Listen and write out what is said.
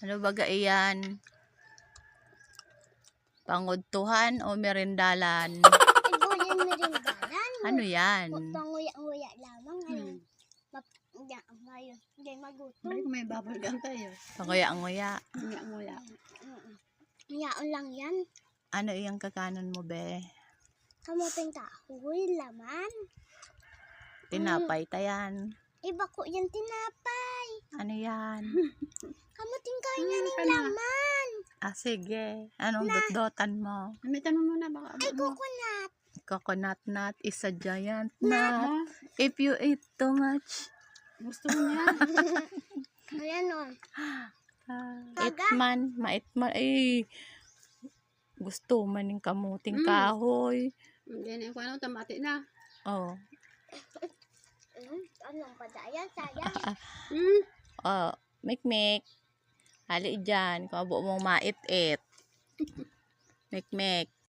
Ano baga iyan? Pangudtuhan o merindalan? Ibo yan merindalan. Ano yan? Panguya-nguya lamang. Ngayon, ngayon, hindi magutom. Balik may bubble gum tayo. Panguya-nguya. Nguya-nguya. Ngayon lang yan. Ano iyang kakanon mo, be? Kamuting kahoy, laman. Tinapay tayan. Iba ko yan tinapay. Ano yan? Kamuting kahoy yan yung laman. Ah, sige. Anong dot-dotan mo? May tanong muna baka. Ay, coconut. Coconut nut is a giant nut. If you eat too much, Gusto mo niya. Ayan o. itman, maitman. Ay, gusto man yung kamuting kahoy. Yan yung ano, tamati na. Oh. Anong padayan? Sayang. Oh, mikmik. Hali dyan. Kung abo mong mait-it. Mikmik.